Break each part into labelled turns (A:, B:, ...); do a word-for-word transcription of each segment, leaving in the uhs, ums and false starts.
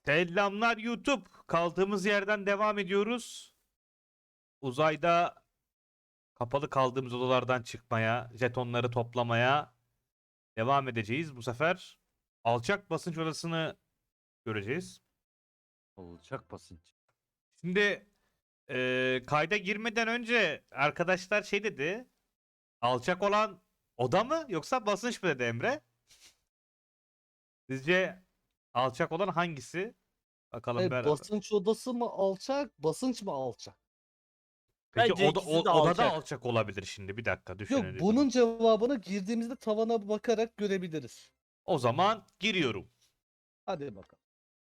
A: Selamlar YouTube. Kaldığımız yerden devam ediyoruz. Uzayda kapalı kaldığımız odalardan çıkmaya, jetonları toplamaya devam edeceğiz. Bu sefer alçak basınç odasını göreceğiz.
B: Olacak basınç.
A: Şimdi eee, kayda girmeden önce arkadaşlar şey dedi. Alçak olan oda mı yoksa basınç mı dedi Emre? Sizce alçak olan hangisi? Bakalım
C: E,
A: beraber.
C: basınç odası mı alçak, basınç mı alçak?
A: Peki
B: Bence
A: oda,
B: ikisi de
A: o, odada
B: alçak.
A: alçak olabilir şimdi. Bir dakika
C: Yok,
A: düşünelim.
C: bunun cevabını girdiğimizde tavana bakarak görebiliriz.
A: O zaman giriyorum.
C: Hadi bakalım.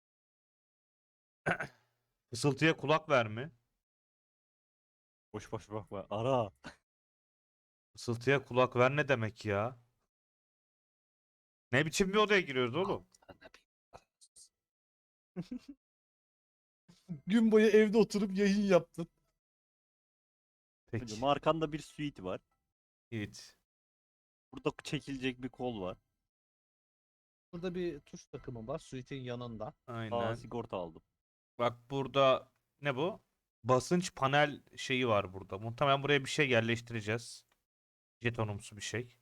A: Fısıltıya kulak verme.
B: Boş boş bakma. Ara.
A: Fısıltıya kulak ver ne demek ya? Ne biçim bir odaya giriyoruz oğlum?
C: Gün boyu evde oturup yayın yaptın.
A: Peki.
B: Hocam arkanda bir suite var.
A: Evet.
B: Burada çekilecek bir kol var.
C: Burada bir tuş takımı var suite'in yanında.
B: Aa,
A: Aynen.
B: sigorta aldım.
A: Bak burada ne bu? Basınç panel şeyi var burada. Muhtemelen buraya bir şey yerleştireceğiz. Jetonumsu bir şey.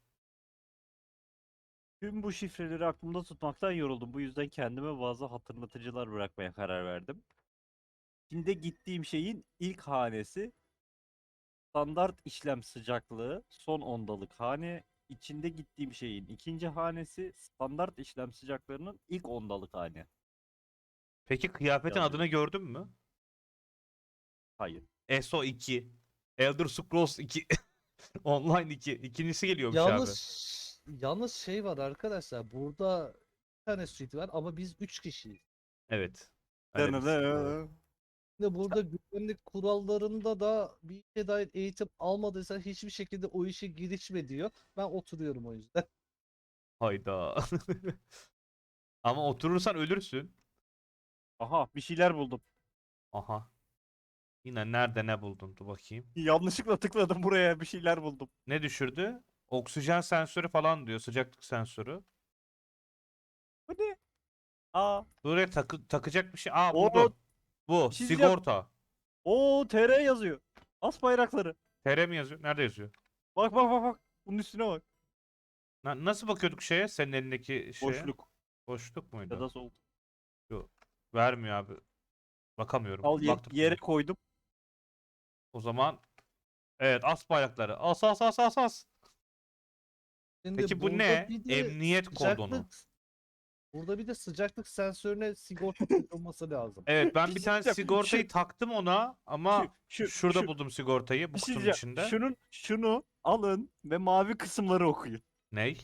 B: Tüm bu şifreleri aklımda tutmaktan yoruldum. Bu yüzden kendime bazı hatırlatıcılar bırakmaya karar verdim. Şimdi gittiğim şeyin ilk hanesi standart işlem sıcaklığı son ondalık hane. İçinde gittiğim şeyin ikinci hanesi standart işlem sıcaklığının ilk ondalık hane.
A: Peki kıyafetin
B: Yazıyor.
A: adını gördün mü?
B: Hayır.
A: S O iki. Elder Scrolls iki. Online iki. İkincisi geliyormuş abi.
C: Yalnız yalnız şey var arkadaşlar. Burada bir tane suite var ama biz üç kişiyiz.
A: Evet. Öyle bir sıkıntı var.
C: Şimdi burada güvenlik kurallarında da bir işe dair eğitim almadıysan hiçbir şekilde o işe girişme diyor. Ben oturuyorum o yüzden.
A: Hayda. Ama oturursan ölürsün.
B: Aha, bir şeyler buldum.
A: Aha. Yine nerede ne buldun? Dur bakayım.
B: Yanlışlıkla tıkladım buraya, bir şeyler buldum.
A: Ne düşürdü? Oksijen sensörü falan diyor. Sıcaklık sensörü.
B: Bu ne? Aa,
A: Buraya takı takacak bir şey. Aa
B: o
A: buldum. Bu.
B: bir şey diyeceğim.
A: Sigorta.
B: O T R yazıyor. As bayrakları.
A: T R mi yazıyor? Nerede yazıyor?
B: Bak bak bak bak. Bunun üstüne bak.
A: Na- nasıl bakıyorduk şeye? Senin elindeki şeye.
B: Boşluk
A: Boşluk
B: ya
A: muydu?
B: da soğuk.
A: Yok. Vermiyor abi. Bakamıyorum.
B: Al ye-
A: Baktım
B: yere
A: sana.
B: koydum.
A: O zaman evet as bayrakları. As as as as as.
C: Şimdi
A: Peki bu
C: burada
A: ne?
C: bir de
A: Emniyet kordonu.
C: sıcaklık burada bir de sıcaklık sensörüne sigorta takılması lazım.
A: Evet ben
B: Bir
A: bir
B: şey
A: tane
B: diyeceğim.
A: sigortayı
B: Şu-
A: taktım ona
B: Şu,
A: ama
B: şu,
A: şurada
B: şu,
A: buldum sigortayı bu
B: bir şey
A: kutunun
B: diyeceğim.
A: içinde.
B: Şunun, şunu alın ve mavi kısımları okuyun.
A: Ney?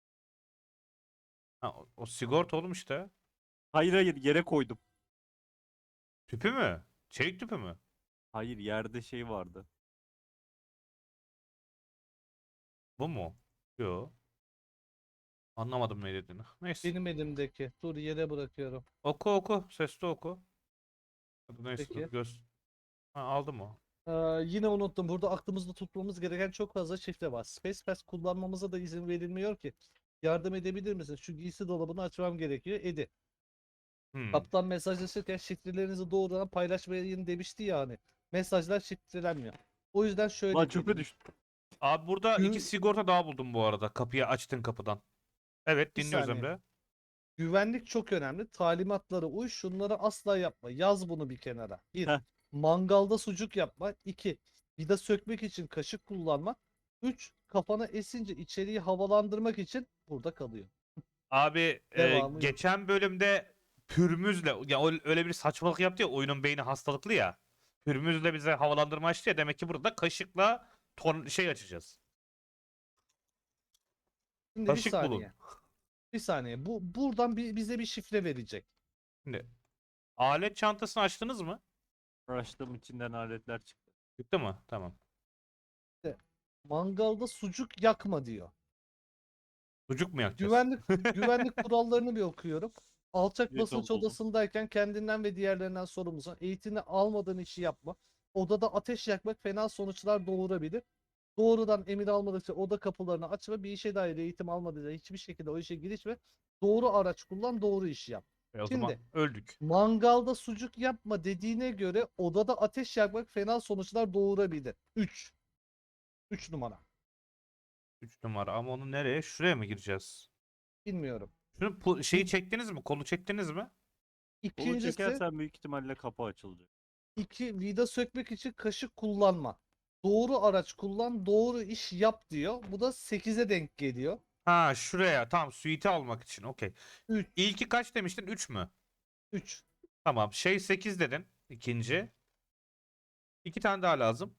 A: Ha, o, o sigorta oğlum işte.
B: Hayır hayır, yere koydum.
A: Tüpü mü? Çelik tüpü mü?
B: Hayır, yerde şey vardı.
A: Bu mu? Yo. Anlamadım ne dediğini. Neyse.
C: Benim elimdeki. Dur yere bırakıyorum.
A: Oku oku. Sesli oku. Hadi neyse dur
C: Peki.
A: göz. Ha, aldım o.
C: Ee, yine unuttum. Burada aklımızda tutmamız gereken çok fazla şifre var. Space Pass kullanmamıza da izin verilmiyor ki. Yardım edebilir misin? Şu giysi dolabını açmam gerekiyor. Edi.
A: Hmm.
C: Kaptan mesajlaşırken şifrelerinizi doğrudan paylaşmayın demişti ya hani. Mesajlar şifrelenmiyor. O yüzden şöyle
B: Lan çöpe
C: diyelim.
B: düştü.
A: Abi burada
C: Gü-
A: iki sigorta daha buldum bu arada. Kapıyı açtın kapıdan. Evet
C: Bir
A: dinliyoruz
C: saniye.
A: Emre.
C: Güvenlik çok önemli. Talimatlara uy. Şunları asla yapma. Yaz bunu bir kenara. Bir.
B: Heh.
C: Mangalda sucuk yapma. İki. Vida sökmek için kaşık kullanma. Üç. Kafana esince içeriği havalandırmak için burada kalıyor.
A: Abi e,
C: Devamı yok.
A: geçen bölümde Pürmüz'le ya o- öyle bir saçmalık yaptı ya oyunun beyni hastalıklı ya. Pürmüz'le bize havalandırma açtı ya demek ki burada kaşıkla ton şey açacağız.
C: Şimdi bir
A: Kaşık bulun.
C: saniye. Bir saniye. Bu buradan bir, bize bir şifre verecek.
A: Şimdi alet çantasını açtınız mı?
B: Açtım, içinden aletler çıktı.
A: Çıktı mı? Tamam.
C: Mangalda sucuk yakma diyor.
A: Sucuk mu yakacağız?
C: Güvenlik güvenlik kurallarını bir okuyorum. Alçak
B: Evet,
C: basınç
B: oldu.
C: odasındayken kendinden ve diğerlerinden sorumlusun. Eğitimini almadığın işi yapma. Odada ateş yakmak fena sonuçlar doğurabilir. Doğrudan emir almadıkça oda kapılarını açma. Bir işe dair eğitim almadıysa hiçbir şekilde o işe girişme. Doğru araç kullan, doğru işi yap.
A: E o
C: Şimdi
A: zaman öldük.
C: mangalda sucuk yapma dediğine göre odada ateş yakmak fena sonuçlar doğurabilir. üç. üç numara.
A: üç numara ama onu nereye? Şuraya mı gireceğiz?
C: Bilmiyorum.
A: Şunu pu- şeyi çektiniz mi? Kolu çektiniz mi?
B: Kolu
C: İkincisi
B: çekersen büyük ihtimalle kapı açılacak.
C: iki vida sökmek için kaşık kullanma. Doğru araç kullan, doğru iş yap diyor. Bu da sekize denk geliyor.
A: Ha şuraya. Tamam suite'i almak için. Okey.
C: üç.
A: İlki kaç demiştin? üç mü?
C: üç.
A: Tamam. Şey sekiz dedin. İkinci. İki tane daha lazım.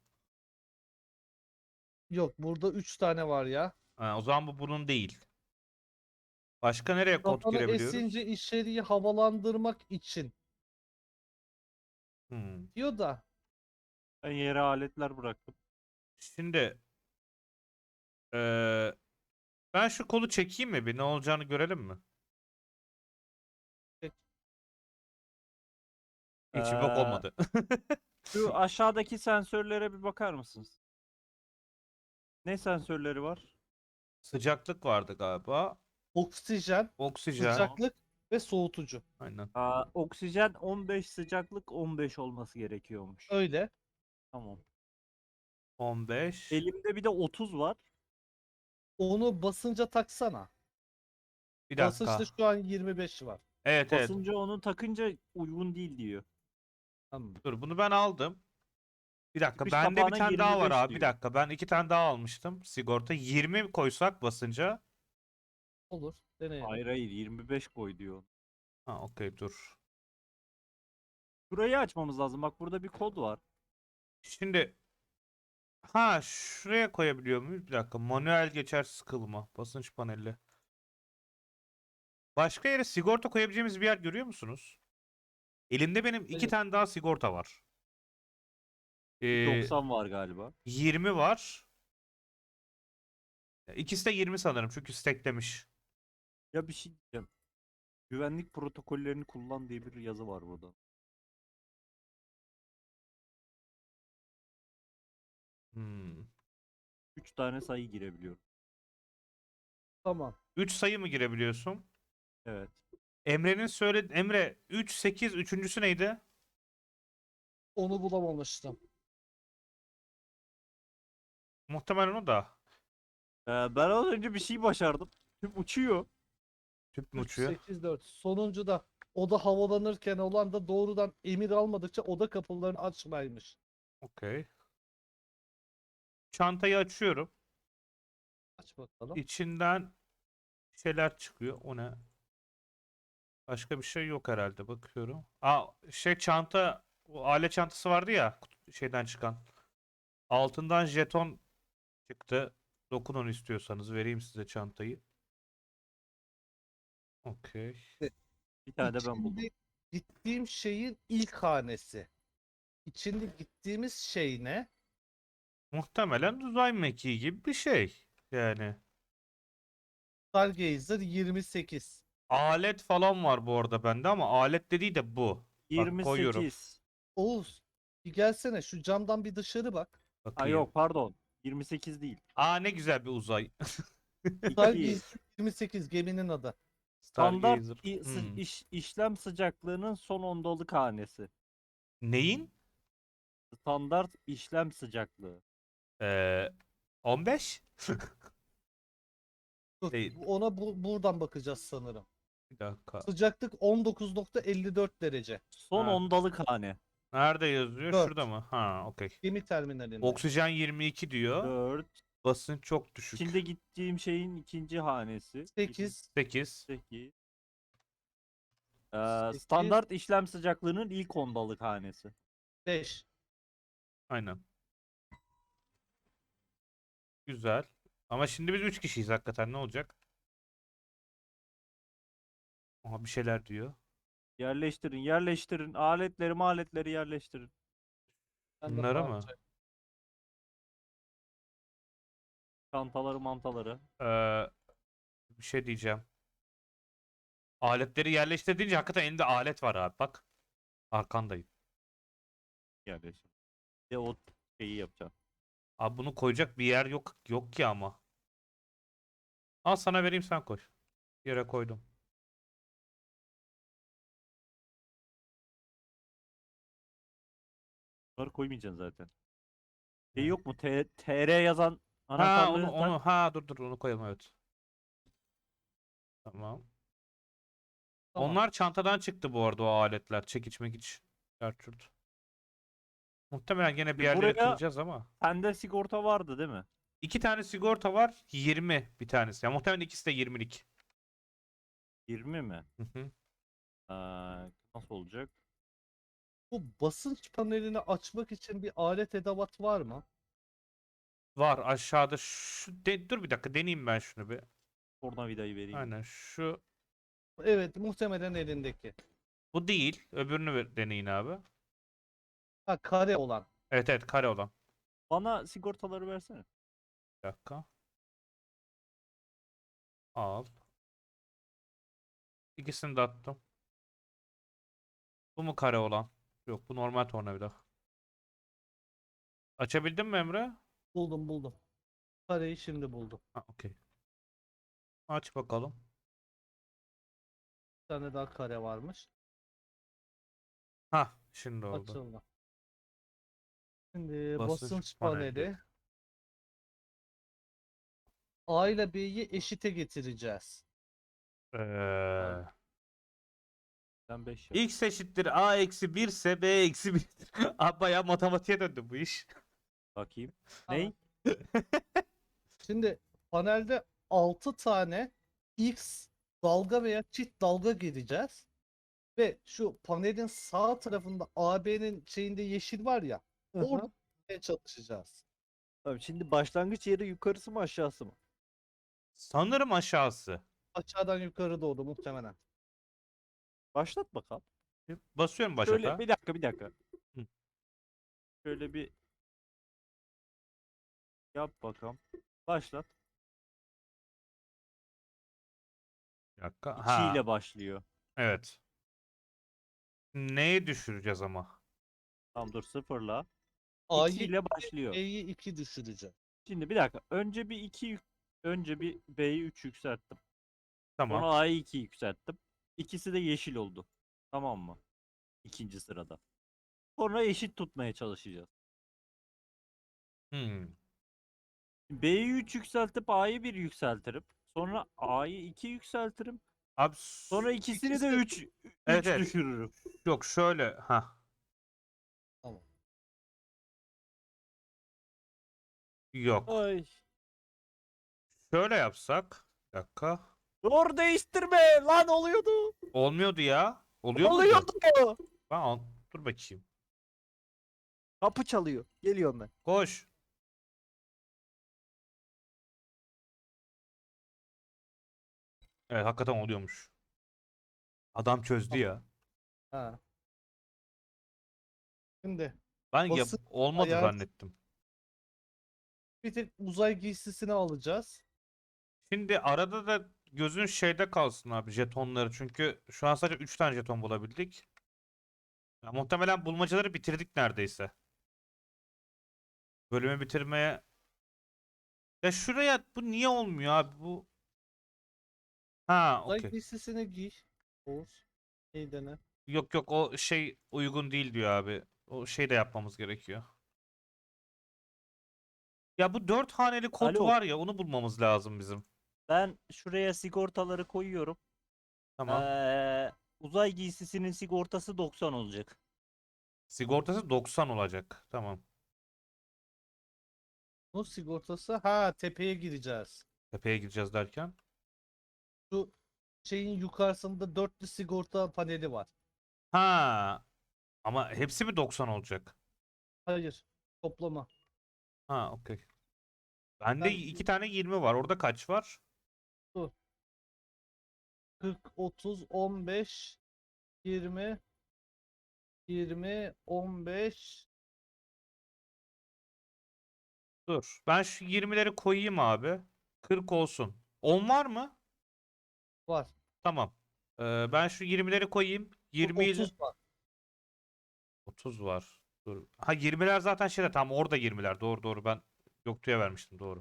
C: Yok burada üç tane var ya.
A: Ha, o zaman bu bunun değil. Başka nereye kod
C: Kafanı
A: girebiliyoruz?
C: esince içeriği havalandırmak için
A: Hmm.
C: diyor da
B: Ben yere aletler bıraktım.
A: Şimdi eee, ben şu kolu çekeyim mi bir? Ne olacağını görelim mi?
C: Çek.
A: Hiç bir bok
B: Ee,
A: olmadı.
B: Şu aşağıdaki sensörlere bir bakar mısınız? Ne sensörleri var?
A: Sıcaklık vardı galiba.
C: oksijen,
A: Oksijen.
C: sıcaklık ve soğutucu.
A: Aynen.
B: Aa, oksijen on beş, sıcaklık on beş olması gerekiyormuş.
C: Öyle.
B: Tamam.
A: on beş.
B: Elimde bir de otuz var.
C: Onu basınca taksana.
A: Bir
C: Basınçta
A: dakika.
C: şu an yirmi beş var.
A: Evet evet.
B: Basınca onu takınca uygun değil diyor.
C: Tamam.
A: Dur bunu ben aldım. Bir dakika.
B: Çıkış
A: Bende bir
B: kapağına
A: tane daha var
B: yirmi beş
A: abi. Bir
B: diyor.
A: dakika. Ben iki tane daha almıştım. Sigorta. yirmi koysak basınca.
C: Olur. Deneyelim.
B: Hayır hayır yirmi beş koy diyor.
A: Ha okey dur.
B: Burayı açmamız lazım. Bak burada bir kod var.
A: Şimdi ha şuraya koyabiliyor muyuz? Bir dakika. Manuel geçersiz kılma. Basınç paneli. Başka yere sigorta koyabileceğimiz bir yer görüyor musunuz? Elimde benim iki
C: Evet.
A: tane daha sigorta var. Ee,
B: doksan var galiba.
A: yirmi var. İkisi de yirmi sanırım çünkü stacklemiş.
B: Ya bir şey diyeceğim. Güvenlik protokollerini kullan diye bir yazı var burada.
A: Hmm.
B: üç tane sayı girebiliyorum.
C: Tamam.
A: üç sayı mı girebiliyorsun?
B: Evet.
A: Emre'nin söyledi Emre üç sekiz üçüncüsü neydi?
C: Onu bulamamıştım.
A: Muhtemelen o da.
B: Ee, ben az önce bir şey başardım. Tüp uçuyor.
A: Tüp mü
C: üç,
A: uçuyor?
C: sekiz, dört. Sonuncu da oda havalanırken olan da doğrudan emir almadıkça oda kapılarını açmaymış.
A: Okey. Çantayı açıyorum.
C: Aç bakalım.
A: İçinden şeyler çıkıyor. O ne? Başka bir şey yok herhalde. Bakıyorum. Aa şey çanta o alet çantası vardı ya kut- şeyden çıkan. Altından jeton çıktı. Dokunun istiyorsanız vereyim size çantayı. Okey.
B: Bir tane de ben buldum.
C: İçinde gittiğim şeyin ilk hanesi. İçinde gittiğimiz şey ne?
A: Muhtemelen uzay mekiği gibi bir şey. Yani.
C: Stargazer yirmi sekiz.
A: Alet falan var bu arada bende ama alet dediği de bu. Bak koyuyorum.
B: yirmi sekiz.
C: Oğuz bir gelsene şu camdan bir dışarı bak.
B: Ay
A: Bakayım.
B: yok pardon. yirmi sekiz değil.
A: Aa ne güzel bir uzay.
B: iki.
C: Stargazer yirmi sekiz geminin adı.
B: Standart
A: Stargazer.
B: i- sı-
A: Hmm.
B: iş- işlem sıcaklığının son ondalık hanesi.
A: Neyin?
B: Standart işlem sıcaklığı.
A: Ee, on beş?
C: Dur,
A: Değil.
C: ona bu, buradan bakacağız sanırım.
A: Bir dakika.
C: Sıcaklık on dokuz nokta elli dört derece.
B: Son
A: Ha.
B: ondalık hane.
A: Nerede yazıyor?
C: Dört.
A: Şurada mı? Ha, okey.
C: Gemi terminalinde.
A: Oksijen yirmi iki diyor.
B: dört.
A: Basınç çok düşük.
B: Şimdi gittiğim şeyin ikinci hanesi.
C: sekiz.
A: sekiz.
B: sekiz.
C: Sekiz.
B: Standart işlem sıcaklığının ilk ondalık hanesi.
C: beş.
A: Aynen. Güzel. Ama şimdi biz üç kişiyiz hakikaten ne olacak? Aha bir şeyler diyor.
B: Yerleştirin, yerleştirin. Aletleri, aletleri yerleştirin.
C: Ben de
A: Bunları mı?
C: parça-
B: Çantaları, mantaları.
A: Ee, bir şey diyeceğim. Aletleri yerleştirdiğince hakikaten elinde alet var abi bak. Arkandayım.
B: Yerleştirin. Bir de o şeyi yapacağım.
A: Abi bunu koyacak bir yer yok yok ki ama. Al sana vereyim sen koy. Yere koydum.
B: Bunları koymayacaksın zaten. Şey
A: Evet.
B: yok mu? T- TR yazan
A: Ha
B: anahtarlığı
A: onu
B: tak.
A: onu ha dur dur onu koyalım evet. Tamam.
C: Tamam.
A: Onlar çantadan çıktı bu arada o aletler. Çekiç mekiç. Gerçurt. Muhtemelen gene bir
B: Şimdi
A: yerleri
B: buraya
A: kıracağız ama.
B: sende sigorta vardı değil mi?
A: İki tane sigorta var. yirmi bir tanesi. Ya muhtemelen ikisi de yirmilik.
B: yirmi mi?
A: Hı hı.
B: Ee, nasıl olacak?
C: Bu basınç panelini açmak için bir alet edevat var mı?
A: Var aşağıda şu de- dur bir dakika deneyeyim ben şunu bir.
B: Tornavidayı vereyim.
A: Aynen şu
C: Evet, muhtemelen elindeki.
A: bu değil. Öbürünü ver- deneyin abi.
C: Ha, kare olan.
A: Evet evet kare olan.
B: Bana sigortaları versene.
A: Bir dakika. Al. İkisini de attım. Bu mu kare olan? Yok bu normal tornavida. Açabildin mi Emre?
C: Buldum buldum. Kareyi şimdi buldum.
A: Ha okey. Aç bakalım.
C: Bir tane daha kare varmış.
A: Ha şimdi oldu.
C: Açıldı. Şimdi
A: Basınç
C: basınç
A: paneli.
C: paneli. A ile B'yi eşite getireceğiz.
A: Ee,
B: Ben beş yap.
A: X eşittir A eksi bir ise B eksi bir'dir. Abi bayağı matematiğe döndü bu iş.
B: Bakayım.
C: Tamam.
B: Ney?
C: Şimdi panelde altı tane X dalga veya çift dalga gireceğiz. Ve şu panelin sağ tarafında A B'nin şeyinde yeşil var ya.
B: Hı hı.
C: Orada çalışacağız.
B: Tamam, şimdi başlangıç yeri yukarısı mı aşağısı mı?
A: Sanırım aşağısı.
C: Aşağıdan yukarı doğru muhtemelen.
B: Başlat bakalım.
A: Basıyorum
B: Şöyle
A: başata.
B: bir dakika bir dakika.
A: Hı.
B: Şöyle bir yap bakalım. Başlat.
A: Bir dakika.
B: İki
A: Ha
B: ile başlıyor.
A: evet. Neyi düşüreceğiz ama?
B: Tamam dur sıfırla. iki
C: A'yı
B: ile başlıyor.
C: B'yi iki düşüreceğiz.
B: Şimdi bir dakika. Önce bir iki yük- önce bir B'yi üç yükselttim.
A: Tamam.
B: Sonra A'yı iki yükselttim. İkisi de yeşil oldu. Tamam mı? İkinci sırada. Sonra eşit tutmaya çalışacağız.
A: Hmm.
B: B'yi üç yükseltip A'yı bir yükseltirim. Sonra A'yı iki yükseltirim.
A: Abi s-
B: Sonra ikisini de
C: İkisi-
B: üç
A: Evet,
B: üç
A: evet.
B: düşürürüm.
A: yok şöyle ha.
C: Tamam.
A: Yok.
B: Ay.
A: Şöyle yapsak. Bir dakika.
B: Dur değiştirme. Lan oluyordu.
A: Olmuyordu ya. Oluyor muydu?
B: Oluyordu.
A: Ben al- dur bakayım.
B: Kapı çalıyor. Geliyorum ben.
A: Koş. Evet hakikaten oluyormuş. Adam çözdü
C: Tamam.
A: ya.
C: Ha. Şimdi
A: Ben ya
C: basınç
A: olmadı
C: ayar
A: zannettim.
C: bir tek uzay giysisini alacağız.
A: Şimdi arada da gözün şeyde kalsın abi jetonları. Çünkü şu an sadece üç tane jeton bulabildik. Ya, muhtemelen bulmacaları bitirdik neredeyse. Bölümü bitirmeye. Ya şuraya bu niye olmuyor abi bu? Ha
C: Uzay
A: okey.
C: giysisini giy. Oğuz. İyi dene.
A: Yok yok o şey uygun değil diyor abi. O şey de yapmamız gerekiyor. Ya bu dört haneli kod
B: Alo.
A: var ya onu bulmamız lazım bizim.
B: Ben şuraya sigortaları koyuyorum.
A: Tamam.
B: Ee, uzay giysisinin sigortası doksan olacak.
A: Sigortası doksan olacak. Tamam.
C: Bunun sigortası ha tepeye gireceğiz.
A: Tepeye gideceğiz derken.
C: Şu şeyin yukarısında dörtlü sigorta paneli var.
A: Ha. Ama hepsi mi doksan olacak?
C: Hayır. Toplama.
A: Ha okey. Bende
C: Ben
A: iki tane yirmi var. Orada kaç var?
C: kırk, otuz, on beş, yirmi, yirmi, on beş.
A: Dur. Ben şu yirmileri koyayım abi. kırk olsun. on var mı?
C: Var.
A: Tamam. Ee, ben şu yirmileri koyayım. yirmi ile
C: otuz var.
A: otuz var. Dur. Ha yirmiler zaten şeyde tam orada yirmiler. Doğru doğru ben Göktuğ'a vermiştim doğru.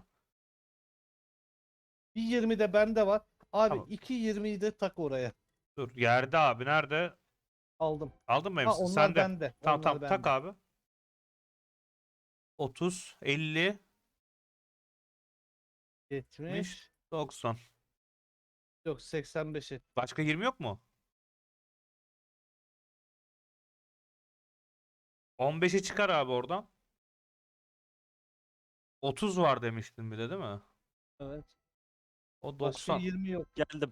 C: Bir yirmi de bende var. Abi
A: Tamam.
C: iki yirmiyi de tak oraya.
A: Dur. Yerde abi nerede?
C: Aldım.
A: Aldın mı
C: Ha
A: hepsini?
C: onlar
A: Sende.
C: bende.
A: Tamam
C: Onlar
A: tamam tak
C: bende.
A: abi. otuz, elli,
C: yetmiş.
A: doksan.
C: Yok seksen beş et.
A: Başka yirmi yok mu? on beşi çıkar abi oradan. otuz var demiştin bir de değil mi?
C: Evet.
A: O
C: Başka
A: doksan.
C: yirmi yok.
B: Geldim.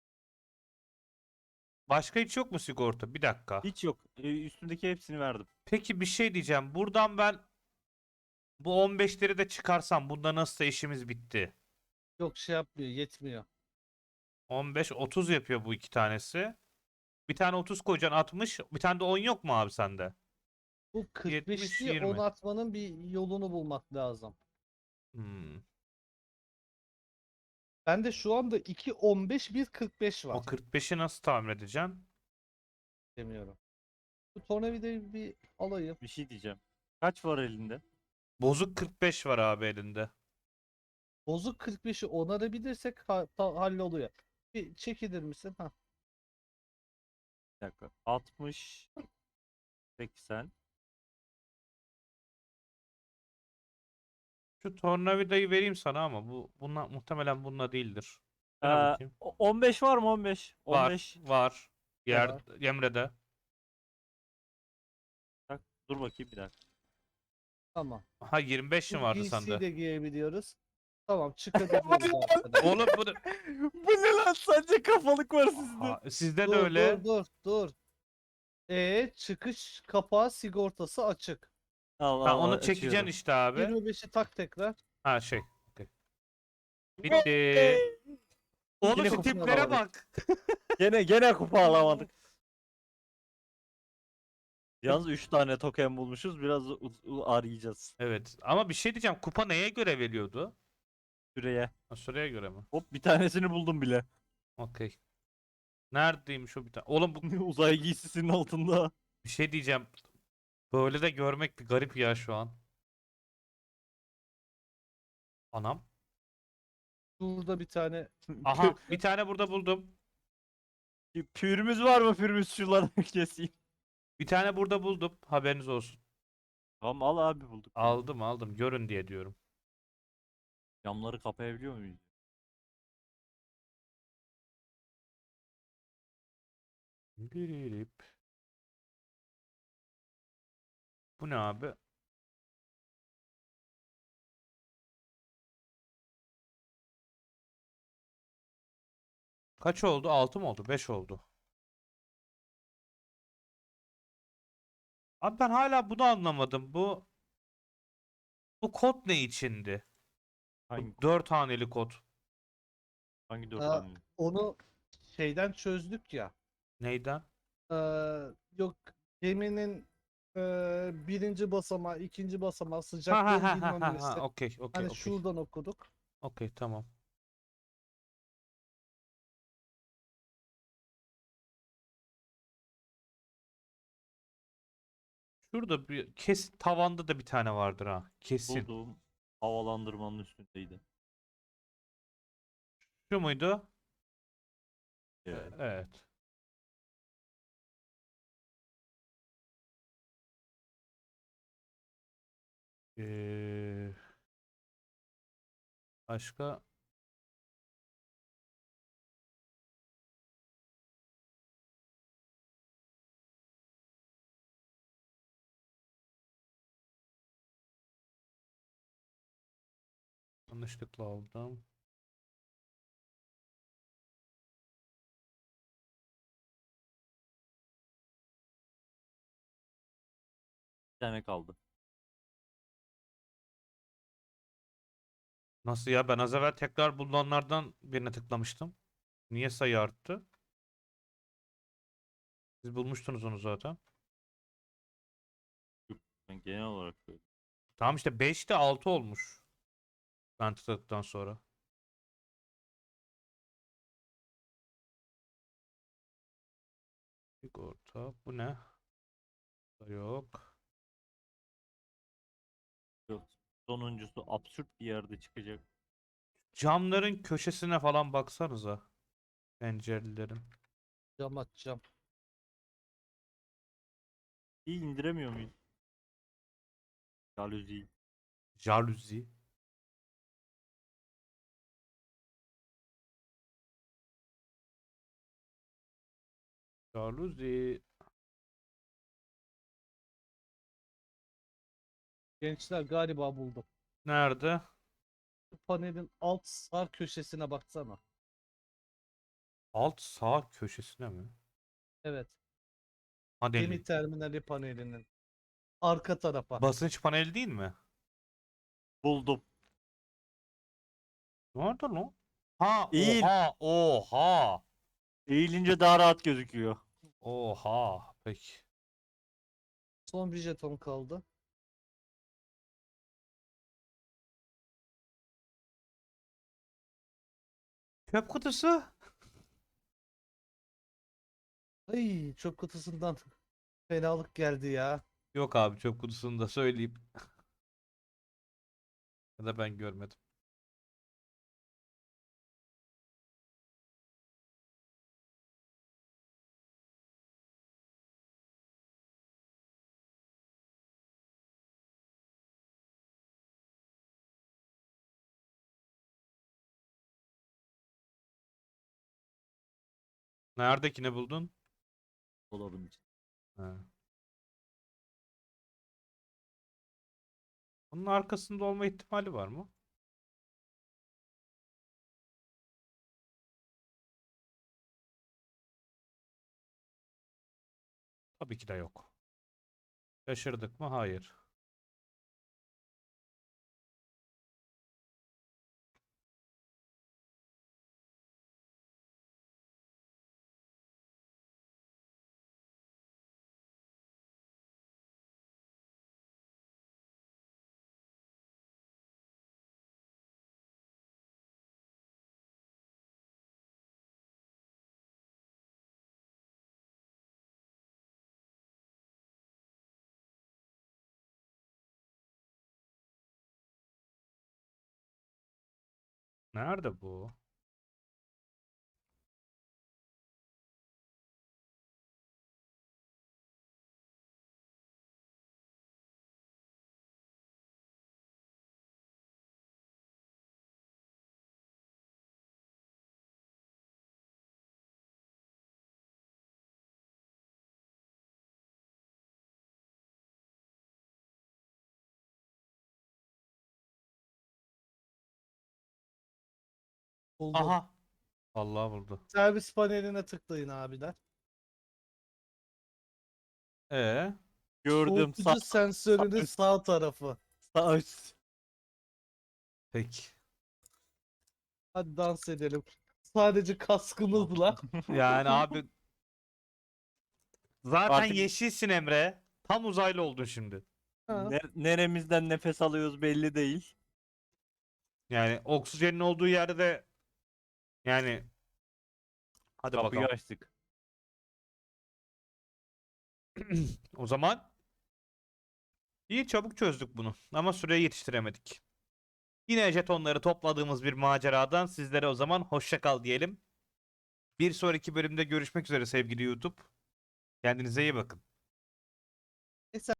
A: Başka hiç yok mu sigorta? Bir dakika.
B: Hiç yok. Ee, üstümdeki hepsini verdim.
A: Peki bir şey diyeceğim. Buradan ben bu on beşleri de çıkarsam bunda nasılsa işimiz bitti.
C: Yok şey yapmıyor. Yetmiyor.
A: on beş, otuz yapıyor bu iki tanesi. Bir tane otuz koyacaksın altmış. Bir tane de on yok mu abi sende?
C: Bu kırk
A: yetmiş,
C: beşli on
A: yirmi.
C: atmanın bir yolunu bulmak lazım.
A: Hmm.
C: Bende şu anda iki on beş bir kırk beş
A: O
C: var.
A: kırk beşi nasıl tamir edeceksin?
C: Demiyorum. Bu tornavidayı bir alayım.
B: Bir şey diyeceğim. Kaç var elinde?
A: Bozuk kırk beş var abi elinde.
C: Bozuk kırk beşi onarabilirsek ha ta- halloluyor. Bir çekilir misin? Ha.
B: Bir dakika. altmış, seksen.
A: Şu tornavidayı vereyim sana ama bu bununla muhtemelen bununla değildir.
B: Ee,
A: Ver bakayım.
B: o- on beş var mı on beş?
A: Var,
B: on beş.
A: var. Yer
C: Var.
A: Emre'de.
B: Bak, dur bakayım bir dakika.
C: Tamam.
A: Ha yirmi beş mi
C: Bu
A: vardı
C: giysiyi
A: sende?
C: de giyebiliyoruz. Tamam çıkabiliyoruz artık.
A: Oğlum bu da-
B: Bu ne lan? Sadece kafalık var sizde.
A: Aa, sizde de
C: Dur
A: öyle.
C: dur dur dur. E çıkış kapağı sigortası açık.
B: Al
A: Ha
B: al al,
A: onu çekeceksin
B: açıyorum.
A: işte abi.
C: yirmi beşi tak tekrar.
A: Ha şey. Okey. Bitti. Oğlum
B: Yine
A: şu
B: kupon
A: tiplere
B: alamadık.
A: bak.
B: Gene gene kupa alamadık. Yalnız üç tane token bulmuşuz. Biraz u- u- arayacağız.
A: Evet ama bir şey diyeceğim. Kupa neye göre veriyordu?
B: Süreye.
A: Ha, sıraya göre mi?
B: Hop bir tanesini buldum bile.
A: Okey. Neredeymiş o bir tane? Oğlum bu
B: Uzay giysisinin altında.
A: bir şey diyeceğim. Böyle de görmek bir garip ya şu an. Anam.
C: Burada bir tane
A: Aha bir tane burada buldum.
B: Pü- Pürümüz var mı pürümüz şuraları keseyim.
A: Bir tane burada buldum. Haberiniz olsun.
B: Tamam al abi bulduk. ya.
A: Aldım aldım. Görün diye diyorum.
B: Camları kapayabiliyor muyuz?
A: Birip. Bu ne abi? Kaç oldu? altı mı oldu? beş oldu. Abi ben hala bunu anlamadım. Bu bu kod ne içindi?
B: Hangi
A: Bu dört haneli kod.
B: hangi dört
C: Aa,
B: tane?
C: onu şeyden çözdük ya.
A: Neyden?
C: Ee, yok geminin e, birinci basamağı, ikinci basamağı,
A: Ha ha
C: sıcaklığın
A: ha ha
C: bilmem
A: ha
C: nesi.
A: ha. Okey okey
C: Hani
A: okey.
C: şuradan okuduk.
A: Okey tamam. Şurada bir kesin tavanda da bir tane vardır ha. Kesin.
B: Bulduğum havalandırmanın üstündeydi.
A: Şu muydu? E-
B: Evet.
A: Evet. Ee, başka yanlışlıkla aldım.
B: Bir tane kaldı.
A: Nasıl ya? Ben az evvel tekrar bulunanlardan birine tıklamıştım. Niye sayı arttı? Siz bulmuştunuz onu zaten.
B: Ben genel olarak böyle.
A: Tamam işte beşte altı olmuş. Ben tıkladıktan sonra. Sigorta. Bu ne? Da yok.
B: Yok. Sonuncusu absürt bir yerde çıkacak.
A: Camların köşesine falan baksanıza. Pencerelerin.
C: Cam açacağım.
B: İyi indiremiyor muyuz? Jaluzi.
A: Jaluzi. Jaluzi.
C: Gençler galiba buldum.
A: Nerede?
C: Bu panelin alt sağ köşesine baksana.
A: Alt sağ köşesine mi?
C: Evet.
A: Paneli.
C: Gemi terminali panelinin arka tarafa.
A: Basınç paneli değil mi?
B: Buldum.
A: Nerede lan? Ha,
B: Eğil.
A: oha, oha.
B: Eğilince daha rahat gözüküyor.
A: Oha. Peki.
C: Son bir jeton kaldı.
A: Çöp kutusu.
C: Ay çöp kutusundan fenalık geldi ya.
A: Yok abi, çöp kutusunu da söyleyeyim. Ya da ben görmedim. Neredekini buldun?
B: Dolabın için.
A: Ha. Bunun arkasında olma ihtimali var mı? Tabii ki de yok. Şaşırdık mı? Hayır. Nerede bu?
C: Buldum.
A: Aha. Allah buldu.
C: Servis paneline tıklayın abiler.
A: Ee,
B: Gördüm. Sağ,
C: Soğutucu sensörünün
B: üst.
C: sağ tarafı.
B: sağ üst.
A: peki.
C: Hadi dans edelim. Sadece kaskımızla.
A: Yani abi zaten
B: Artık-
A: yeşilsin Emre. Tam uzaylı oldun şimdi.
C: Ha.
B: Ne- neremizden nefes alıyoruz belli değil.
A: Yani oksijenin olduğu yerde de yani hadi
B: Kapıyı
A: bakalım.
B: açtık.
A: O zaman iyi, çabuk çözdük bunu ama süreyi yetiştiremedik. Yine jetonları topladığımız bir maceradan sizlere o zaman hoşça kal diyelim. Bir sonraki bölümde görüşmek üzere sevgili YouTube. Kendinize iyi bakın.